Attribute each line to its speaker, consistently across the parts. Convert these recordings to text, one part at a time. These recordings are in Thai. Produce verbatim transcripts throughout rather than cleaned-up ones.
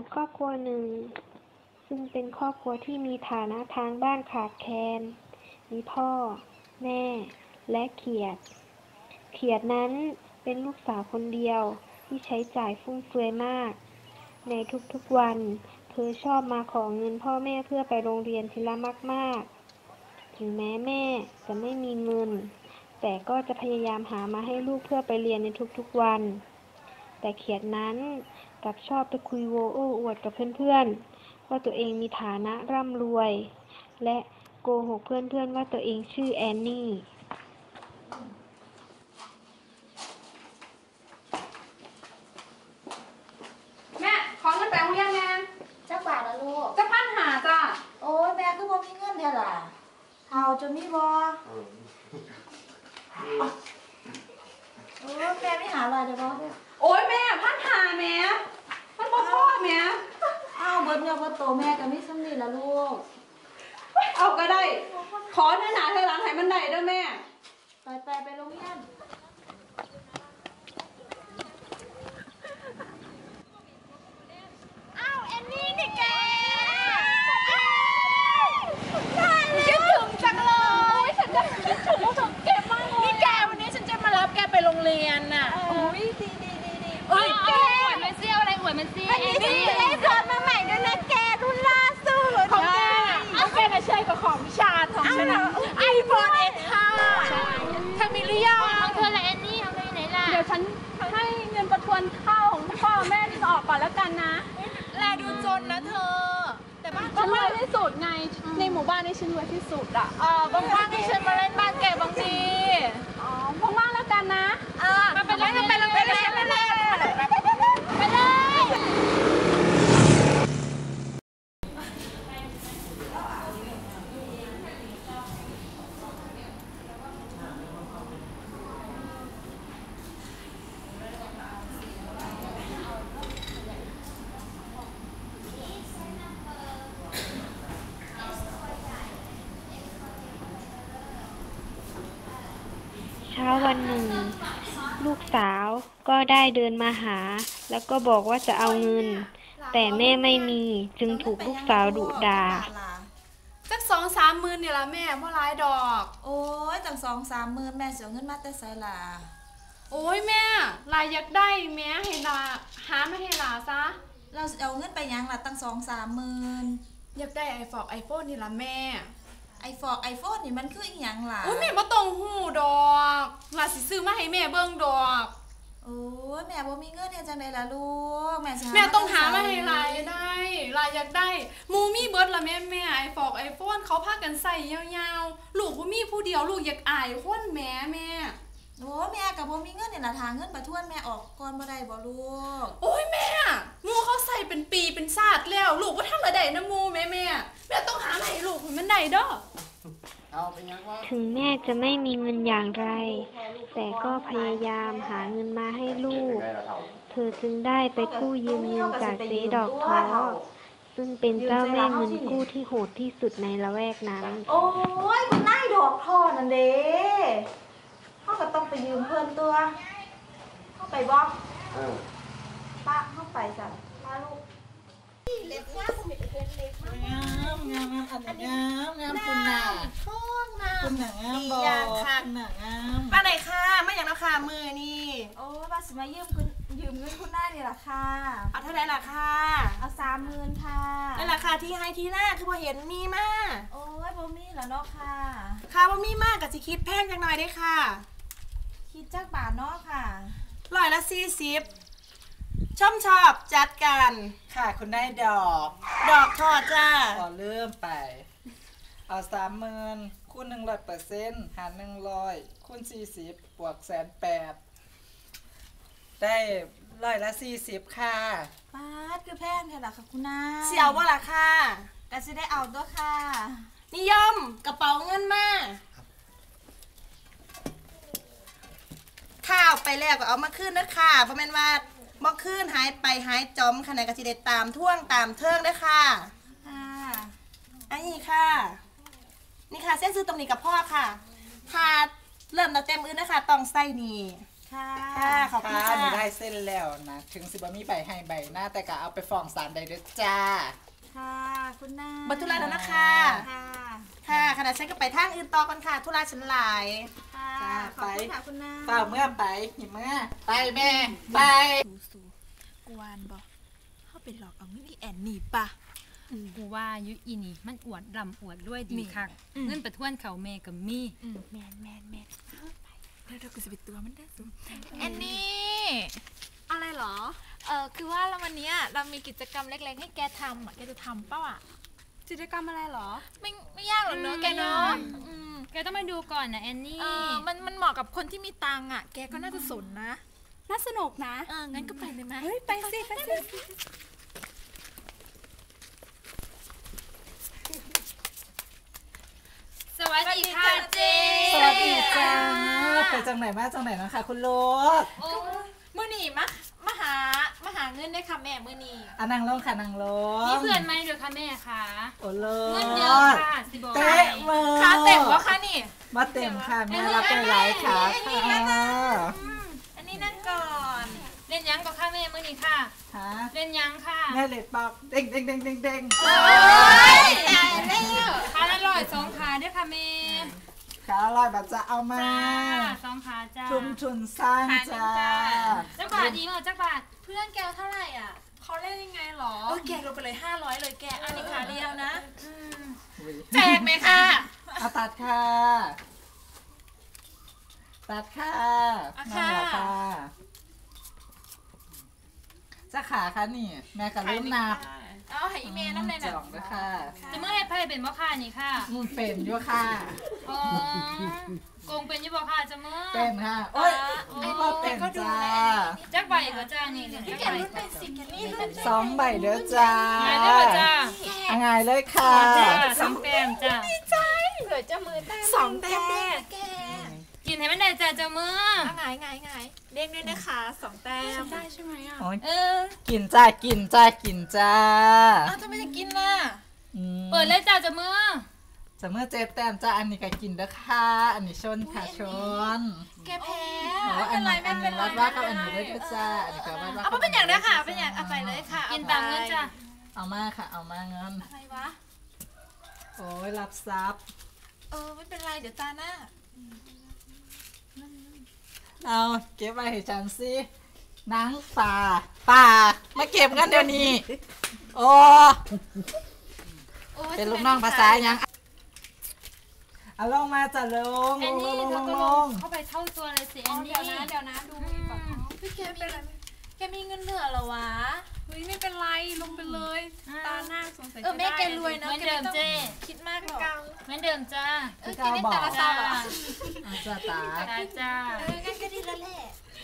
Speaker 1: ครอบครัวหนึ่งซึ่งเป็นครอบครัวที่มีฐานะทางบ้านขาดแคลนมีพ่อแม่และเขียดเขียดนั้นเป็นลูกสาวคนเดียวที่ใช้จ่ายฟุ่มเฟือยมากในทุกๆวันเธอชอบมาขอเงินพ่อแม่เพื่อไปโรงเรียนทีละมากๆถึงแม้แม่จะไม่มีเงินแต่ก็จะพยายามหามาให้ลูกเพื่อไปเรียนในทุกๆวันแต่เขียดนั้นกลับชอบไปคุยโวโอ้อวดกับเพื่อนๆว่าตัวเองมีฐานะร่ำรวยและโกหกเพื่อนๆว่าตัวเองชื่อแอนนี่
Speaker 2: แม่ขอเงินแปลงเรียนแม่
Speaker 3: จักบาทละลูก
Speaker 2: จะพันหาจ้ะ
Speaker 3: โอ้ยแม่ก็บ่มีเงินเท่าล่ะเฮาจะมีบ่โอ้ยแม่ไม่หาอะไรเลยบ่
Speaker 2: โอ้ยแม่พันหาแม่มันบ่พอแม่
Speaker 3: อ้าวเบิดเงินเบิดโตแม่ก็มีส่ำนี้ล่ะลูก
Speaker 2: เอาก็ได้ขอเนื้อหนาเธอหลังให้มันได้เด้อแม่
Speaker 3: ไปไปไปโรงเรียน
Speaker 4: อ้าวแอนนี่นี่แกคิดถึงจังเลยฉันจะคิดถึงถึงแกมากเลยนี่แกวันนี้ฉันจะมารับแกไปโรงเรียนน่ะ
Speaker 3: โอ้ยดีดีดีดี
Speaker 4: เอ้ยแกอวดมันเซี่ยวอะไรอวดมันเซี่ยวแอนนี่ฉันได้รถมาใหม่ด้วยนะแกรุ่นล่าสุดของแกเอาแกมาใช้กับของวิชาของฉันนะไอโฟนเอ็กซ์ค่ะเธอมีหรือยังของเธอละแอนนี่เอาไปไหนล่ะ
Speaker 5: เดี๋ยวฉันให้เงินประทวนข้าวของพ่อแม่ที่จะออกก่อนแล้วกันนะ
Speaker 4: แลดูจนนะเธอแต่บ้าน
Speaker 5: ฉันรวยที่สุดไงในหมู่บ้านนี้ฉันรวยที่สุดอ่ะ
Speaker 4: เออบางบ้านให้ฉันมาเล่นบ้านแกบางที
Speaker 5: อ๋อว่างๆแล้วกันนะ
Speaker 4: เออมาไปเลยไปเลยไปเลยไปเลยไปเลย
Speaker 1: เช้าวันหนึ่งลูกสาวก็ได้เดินมาหาแล้วก็บอกว่าจะเอาเงินแต่แม่ไม่มีจึงถูกลูกสาวดุด่า
Speaker 2: สักสองสามหมื่นเนี่ยละแม่เพราะร้ายดอก
Speaker 3: โอ้ยตั้งสองสามหมื่นแม่เสียเงินมาแต่ไสล่ะ
Speaker 2: โอ้ยแม่ลายอยากได้แม่ให้ลาหาไม่ให้ลาซะ
Speaker 3: เราเอาเงินไปยังล่ะตั้งสองสามหมื่น
Speaker 2: อยากได้ไอโฟนไอโฟนนี่ละแม่
Speaker 3: ไอโฟนไอโฟนนี่มันคืออีหยังล่ะ
Speaker 2: โอ้ยแม่บ่ต้องหูดอกลาสิซื้อมาให้แม่เบิ่งดอก
Speaker 3: โอ้ยแม่บ่มีเงินเฮ็ดจังได๋ล่ะลูกแม่สิหา
Speaker 2: แม่ต้องหามาให้ลายได้ลายอยากได้มูมี่เบิร์ดละแม่แม่ไอโฟนไอโฟนเขาพากันใส่ยาวๆลูกบ่มีผู้เดียวลูกอยากอายคนแม่แม่
Speaker 3: โอ้แม่ก็บ่มีเงินนี่ล่ะทางเงินประทวนแม่ออกก่อนบ่ได้บ่ลูก
Speaker 2: โอ้ยแม่มูเขาใส่เป็นปีเป็นชาติแล้วลูกบ่ทันละได้นะมูแม่แม่แม่ต้องหาให้ลูกมันได้เด้อ
Speaker 1: ถึงแม่จะไม่มีเงินอย่างไรแต่ก็พยายามหาเงินมาให้ลูกเธอจึงได้ไปกู้ยืมเงินจากเจ๊ดอกท้อซึ่งเป็นเจ้าแม่เงินกู้ที่โหดที่สุดในละแวกนั้น
Speaker 3: โอ้ยคุณนายดอกท้อนั่นเด้เขาก็ต้องไปยืมเพิ่นตัวเข้าไปบ่ป้าเข้าไปจ้ะป้าลูกเล็บงามงามงามงามอันนี้งามงามคุณน่ะท้องน่ะคุณน่ะงามบ่ดีอย่างค่ะน่ะงาม
Speaker 2: ป้าไหนค่ะไม่อย่างราคามือนี่
Speaker 3: โอ้ป้าสิมายืมคุณยืมเงินคุณได้นี่ล่ะค่ะ
Speaker 2: เอาเท่าไหร่ล่ะค่ะ
Speaker 3: เอาสามหมื่นค่ะ
Speaker 2: ในราคาที่ให้ที่หน้าคือพอเห็นมีมาก
Speaker 3: โอ้ยบ่มีแล้วเนาะค่ะ
Speaker 2: ค่ะบ่มีมากกับสิคิดแพงจังหน่อยได้ค่ะ
Speaker 3: คิดจักบาทเนาะค่ะ
Speaker 2: ร้อยละสี่สิบชอบชอบจัดกัน
Speaker 6: ค่ะคุณได้ดอก
Speaker 2: ดอกทอดจ้า
Speaker 6: ขอเริ่มไปเอาสามหมื่นคูณหนึ่งร้อยเปอร์เซ็นต์หารหนึ่งร้อยคูณสี่สิบบวกแสนแปดได้ร้อยละสี่สิบค่ะ
Speaker 3: ป้าคือแพงแค่ไหนคะคุณนาย
Speaker 2: เสี่ยวว่าล่ะค่ะ
Speaker 3: ก็จะได้เอาด้วยค่ะ
Speaker 2: นิยมกระเป๋าเงินมาข้าวไปแล้วก็เอามาขึ้นนะค่ะเพราะแม่นว่าบ่ขึ้นหายไปหายจอมขนาดกะสิได้ตามท่วงตามเทิงด้วยค่ะ
Speaker 3: ค่ะ
Speaker 2: อันนี้ค่ะนี่ค่ะเส้นซื้อตรงนี้กับพ่อค่ะถ้าเริ่มตั้งแต่มื้อนะคะต้องใส่นี่
Speaker 3: ค่ะ
Speaker 4: ค่ะขอบคุณ
Speaker 6: ค่ะ
Speaker 4: ค่ะ
Speaker 6: หนูได้เส้นแล้วนะ ถึงสิบ่มีใบให้ใบหน้าแต่ก็เอาไปฟ้องศาลได้เด้อจ้า
Speaker 3: ค่ะคุณนาย
Speaker 4: บัตรธุระแล้วนะคะ
Speaker 3: ค่ะ
Speaker 4: ค่ะขณะฉันก็ไปทางอื่นต่อกันค่ะธุระฉันหลาย
Speaker 3: ค่ะ
Speaker 6: จ้า
Speaker 3: ขอบคุณ
Speaker 6: ไป
Speaker 3: ค่ะคุณนาย
Speaker 6: เปล่าเมื่อไปหิมเมื่อไปแม่ไป
Speaker 3: สูกวนบอกเข้าไปหลอกเอาเงินอีแอนนี่ปะ
Speaker 7: กูว่ายุอีนี่มันอวดรำอวดด้วยดี
Speaker 3: นี่
Speaker 7: คัก
Speaker 3: อืม
Speaker 7: เงินประทวนเขาเมกับมี
Speaker 3: แมนแมนแมนเดี๋ยวเรากูจะไปตัวมันได้สูแอนนี่
Speaker 5: อะไรเหรอ
Speaker 3: เออคือว่าเราวันเนี้ยเรามีกิจกรรมเล็กๆ ให้แกทำอ่ะแกจะทำเปล่าอ่ะ
Speaker 5: กิจกรรมอะไรเหรอ
Speaker 3: ไม่ไม่ยากหรอกเนอะแกเนาะอืม
Speaker 7: แกต้องมาดูก่อนนะแอนนี่
Speaker 3: เออมันมันเหมาะกับคนที่มีตังค์อ่ะ แกก็น่าจะสนนะ
Speaker 5: น่าสนุกนะ
Speaker 3: เอองั้นก็ไปเลยไหม
Speaker 5: เฮ้ย ไปสิ ไปสิ
Speaker 7: สวัสดีค่ะเจ
Speaker 6: สวัสดีจ้าไปจังไหนมาจังไหนนะคะคุณลูก
Speaker 3: มือหนีมะมาหามาหาเงินได้ค่ะแม่มือหนี
Speaker 6: อ่ะนั่งลงค่ะนั่งลง
Speaker 7: นี่เพื่อนไหมเดี๋ยวค่ะแม่ค่ะ
Speaker 6: โอ้โล
Speaker 7: เงินเยอะค่ะสิบอก
Speaker 6: เตะมือ
Speaker 3: ค่าเต็มวะคะนี่
Speaker 6: มาเต็มค่ะแม่รับไปหลายขาค่ะ
Speaker 3: อันนี้นั่งก่อน
Speaker 7: เล่นยังก็ค่ะแม่มื้อนี้ค่ะ
Speaker 6: ฮะ
Speaker 7: เล่นยังค่ะ
Speaker 6: แม่เหล็กปอกเด้งเด้งเด้งเด้งเด้ง
Speaker 3: โอ้ยตายแล้ว
Speaker 7: ขาละร้อยสองขาเด้วยค่ะแม่
Speaker 6: ขาอร่อยแบบจะเอามา
Speaker 7: จ้าสองขาจ้า
Speaker 6: ชุมชุนสร้างจ้า
Speaker 7: จักบาทดีมั้งจักบาท
Speaker 3: เพื่อนแกเท่าไหร่อ่ะ
Speaker 5: เขาเล่นยังไงเหรอ
Speaker 3: เออแกลงไปเลยห้าร้อยเลยแก อันนี้ขาเดียวนะ
Speaker 6: อุ๊ย
Speaker 3: แจกไหมค่ะ
Speaker 6: เอาตัดค่ะ ตัดค่ะ
Speaker 3: เอา
Speaker 6: นั่
Speaker 3: ค่ะ
Speaker 6: นแหละค่ะจะขาคะนี่ แม่กับลืมนับ
Speaker 3: เอาให้อีเมลน้ำใน
Speaker 6: จ
Speaker 3: น่ะ
Speaker 6: องด้วยค่ะ
Speaker 7: จะเมื่อให้ไพ่เป็นบ่ค่ะนี่ค่ะ
Speaker 6: มุนเป็นด้วยค่ะ
Speaker 7: อ๋อโกงเป็นอยี่บ่ค่ะจะเมื่อ
Speaker 6: เป็นค่ะ โอ้ยไอ้พ่อเป็นจ้า
Speaker 7: จักใบก็จ้านี่เหลือจัก
Speaker 3: แก
Speaker 7: ใบ
Speaker 3: รุ่นเป็นสิแกนี่รุ่น
Speaker 6: สองใบเด้อจ้า
Speaker 7: ไงได้บ่จ้า
Speaker 6: เอาไงเลยค่ะ
Speaker 7: จ้าสองแต้มจ้า
Speaker 3: เหลือจะมือแต้มสองแต้มแก
Speaker 7: กินให้มันได้จ้าจะเมื่อ
Speaker 3: เอาไงไงไงเด้งด้วยนะคะสองแต้ม
Speaker 5: ได้ใช่ไหมอ่ะ
Speaker 6: โอ้ย
Speaker 7: เออ
Speaker 6: กินจ้า กินจ้า กินจ้า
Speaker 3: อ้าวทำไมจะกินน่ะ
Speaker 6: อืม
Speaker 7: เปิดเลยจ้าจะเมื่อ
Speaker 6: จะเมื่อเจ๊แต้มจ้า อันนี้ก็กินเด้อค่ะ อันนี้ชนค่ะชน
Speaker 3: แกแพ้
Speaker 6: อ๋อ
Speaker 3: ไม่
Speaker 6: อั
Speaker 3: เป็น นไร
Speaker 6: นี้
Speaker 3: ไม่
Speaker 6: อัน
Speaker 3: เป็
Speaker 6: นี้
Speaker 3: นไร
Speaker 6: วัดว่ากับอันนี้ได้ด้วยจ้า อันนี้ก็วัดว่า
Speaker 3: เอาเป็นอย่างนะคะเป็นอย่างเอาไปเลยค่ะ
Speaker 7: กินตามเงินจ้า
Speaker 6: เอามาค่ะ เอามาเงิน
Speaker 3: อะไรวะ
Speaker 6: โอ้ยรับทรัพย์
Speaker 3: เออไม่เป็นไรเดี๋ยวตาหน้า
Speaker 6: เอาเก็บไว้ให้ฉันสินางป่าป่ามาเก็บกันเดี๋ยวนี้ โอ้
Speaker 3: โอ้ย
Speaker 6: เป็นลูกน้องภาษายังเอาลงมาจ้ะลง
Speaker 7: แอ
Speaker 6: ล
Speaker 7: น
Speaker 6: งล
Speaker 7: นี่
Speaker 6: งล
Speaker 7: เธอง ก็
Speaker 6: ล
Speaker 7: ลง
Speaker 6: ง
Speaker 7: เข้าไปเท่าตัวเลยสิแอ
Speaker 5: อ๋อน
Speaker 7: นี่
Speaker 5: เดี๋ยวนะ เดี๋ยวนะ ดูมือก่อนอ๋อ
Speaker 3: พี่แกมีแกมีเงินเหลือเหรอวะ
Speaker 5: เฮ้ยไม่เป็นไร ลงไปเลย ตาหน้าสงสัย
Speaker 3: เออ
Speaker 5: จะ
Speaker 3: แม่
Speaker 5: ได้
Speaker 3: แกรวย
Speaker 7: เห
Speaker 3: เนาะ
Speaker 7: มือน
Speaker 3: แก
Speaker 7: เดิ
Speaker 3: ไม่
Speaker 7: ม
Speaker 3: ต้อง
Speaker 7: เจ้
Speaker 3: คิดมากหรอก
Speaker 7: เหมือนเดิมจ้า
Speaker 3: เออกินได้แต่ละซองเหรอ
Speaker 6: เอาจ้าตา
Speaker 7: จ้าจ้า
Speaker 3: เอองั้นก็ดีแล้วแหละ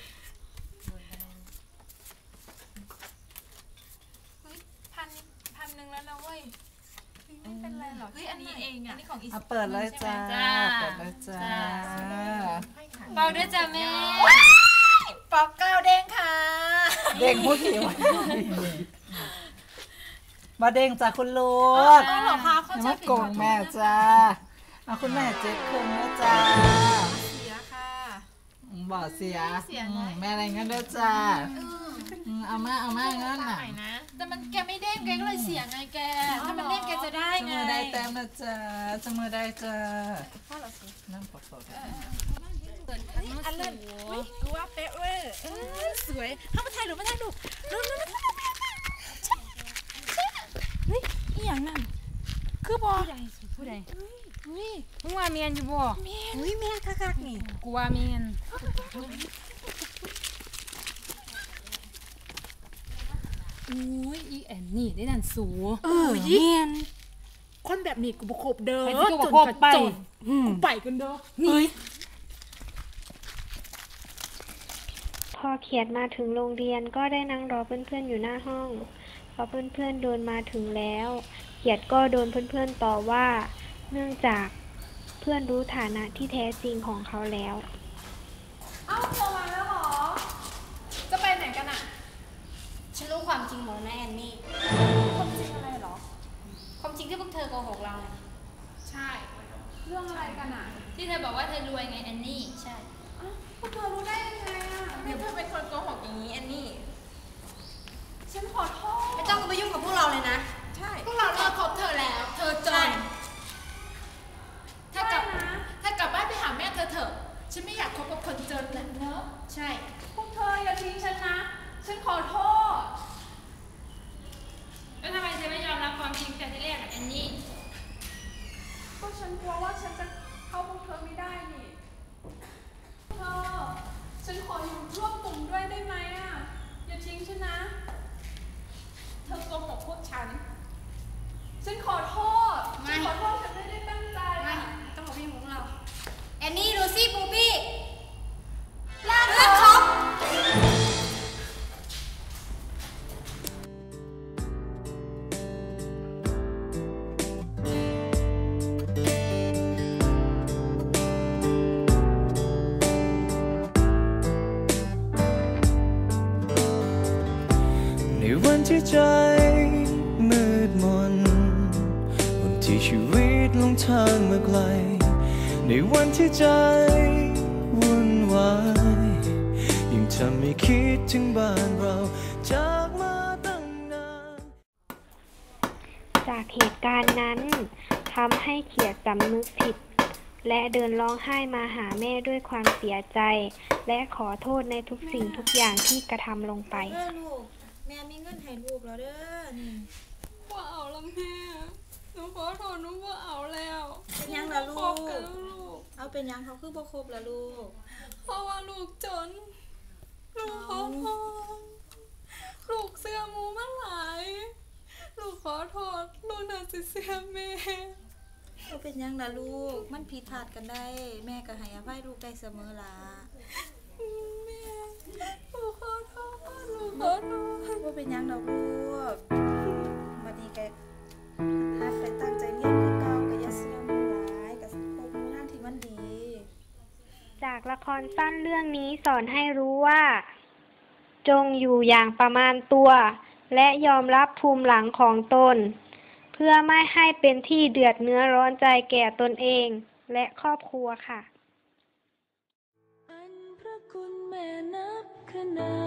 Speaker 3: เฮ้ยพันพันหนึ่งแล้วนะเว้ย
Speaker 5: ไม่เป็นไรหรอก
Speaker 3: เฮ้ยอันนี้เองอ่ะอันนี้ของอี
Speaker 6: เอาเปิดเลยจ้าเปิดเลยจ้า
Speaker 7: เบาด้วยจ้าแม่
Speaker 3: ปอกเก้าเด้งค่ะ
Speaker 6: เด้งผู้หิวมาเด้งจ้าคุณลูก
Speaker 3: เออเหรอคะเขา
Speaker 6: อย่า
Speaker 3: จะ
Speaker 6: มาโกงแม่จ้าเอาคุณแม่เจ็ดคืนนะจ้า
Speaker 3: เสียค่ะ
Speaker 6: บ่เสีย
Speaker 3: เสียไง
Speaker 6: อืมแม่อะไรเงี้ยด้วยจ้าอืมเอามาเอามาเงินน่ะ
Speaker 3: แต่มันแกไม่เด้งแกก็เลยเสียไงแก ถ้ามันเด้งแกจะได้
Speaker 6: จะ
Speaker 3: ไง
Speaker 6: มือได้แต้มนะจ้าจะมือได้จ้า
Speaker 3: พ่อเหรอสิ
Speaker 6: นั่งปวดโสด
Speaker 3: อันเลิศอุ้ยกูว่าเป๊ะเว้ยเออสวยเข้ามาถ่ายรูปมาถ่ายรูปรูปรูปรูปรูปเฮ้ยอีหยังนั่นคือบอ
Speaker 7: ผู้ใดสิผู้ใดมึงว่าเมียนอยู่บ่
Speaker 3: เมียนอุ้ยเมียนคักๆนี่
Speaker 7: กูว่าเมียน อุ้ยอีแอนนี่ได้นั่นสู
Speaker 5: เออเยียนคนแบบนี้กูบคบเด้อ
Speaker 7: ไอ้ที่กูบอกไป
Speaker 5: กูไปกันเด้อ
Speaker 7: นี่
Speaker 1: พอเขียดมาถึงโรงเรียนก็ได้นั่งรอเพื่อนๆอยู่หน้าห้องพอเพื่อนๆเดินมาถึงแล้ว เขียดก็โดนเพื่อนๆต่อว่า เนื่องจากเพื่อนรู้ฐานะที่แท้จริงของเขาแล้ว
Speaker 5: เอ้าโทรมาแล้วเหรอ จะไปไหนกันอ่ะ
Speaker 7: ฉันรู้ความจริงหมดนะแอนนี่
Speaker 5: ความจริงอะไรเหรอ
Speaker 7: ความจริงที่พวกเธอโกหกเรา
Speaker 5: ใช่ เรื่องอะไรกันอ่ะ
Speaker 7: ที่เธอบอกว่าเธอรวยไงแอนนี่ ใช่
Speaker 5: ท
Speaker 2: วกเธอรู้ได้ยังไงอ่ะ
Speaker 3: เดี๋ยวเธอเป็นคนโกหกอย่างนี้แอนนี่
Speaker 2: ฉันขอโทษ
Speaker 3: ไม่ต้องมายุ่งกับพวกเราเลยนะ ใช่
Speaker 2: พวกเราเลิกคบเธอแล้ว เธอจนถ้ากลับถ้ากลับบ้านไปหาแม่เธอเถอะฉันไม่อยากคบกับคนจนแล้วเนอะใช่พวกเธออย่าทิ้งฉันนะฉันขอโทษ
Speaker 7: แล้วทำไมเธอไม่ยอมรับความจริงแต่ที่แรกกับแอนนี่
Speaker 2: ก็ฉันกลัวว่าฉันจะเข้าพวกเธอไม่ได้นี่เธอฉันขออยู่ร่วมกลุ่มด้วยได้ไหมอ่ะอย่าทิ้งฉันนะเธอโกหกพวกฉันฉันขอโทษฉันขอโทษฉันไม่ได้ตั้งใจไม่ต้องบอกพี่ของเราแอนนี่ลูซี่ปูปี้ลากเขา
Speaker 8: ในวันที่ใจมืดมนวันที่ชีวิตลงทางมาไกลในวันที่ใจวุ่นวายยิ่งทำให้คิดถึงบ้านเราจากมาตั้งนาน
Speaker 1: จากเหตุการณ์นั้นทำให้เขียดสำนึกผิดและเดินร้องไห้มาหาแม่ด้วยความเสียใจและขอโทษในทุกสิ่งทุกอย่างที่กระทำลงไป
Speaker 3: เด้อลูก แม่มีเงินให้ลูกแล้วเด้อ นี่
Speaker 2: ว่าเอาละแม่หนูขอโทษหนูว่าเอาแล้ว
Speaker 3: เป็นยังล่ะลู
Speaker 2: คบกัน
Speaker 3: ก
Speaker 2: ลูก
Speaker 3: เอาเป็นยังเขาคือบ่ครบละลูก
Speaker 2: เพราะว่าลูกจน ลูกขอโทษ ลูกเสื้อหมูมาหลาย ลูกขอโทษ ลูกน่าสิเสื้อแม่
Speaker 3: เอาเป็นยังล่ะลูก มันผิดพลาดกันได้ แม่ก็ให้อภัยลูกได้เสมอล่ะ
Speaker 2: แม่ ลูกขอโทษ ลูกขอโทษ
Speaker 3: ว่าเป็นยังดอกลูกมาดีแกหัดไปตั้งใจเรียนคือเก่าก็อย่าเสื่อมหลายกับพวกมือทางที่มันดี
Speaker 1: จากละครสั้นเรื่องนี้สอนให้รู้ว่า จงอยู่อย่างประมาณตัว และยอมรับภูมิหลังของตน เพื่อไม่ให้เป็นที่เดือดเนื้อร้อนใจแก่ตนเองและครอบครัวค่ะ
Speaker 9: อันพระคุณแม่นับขนา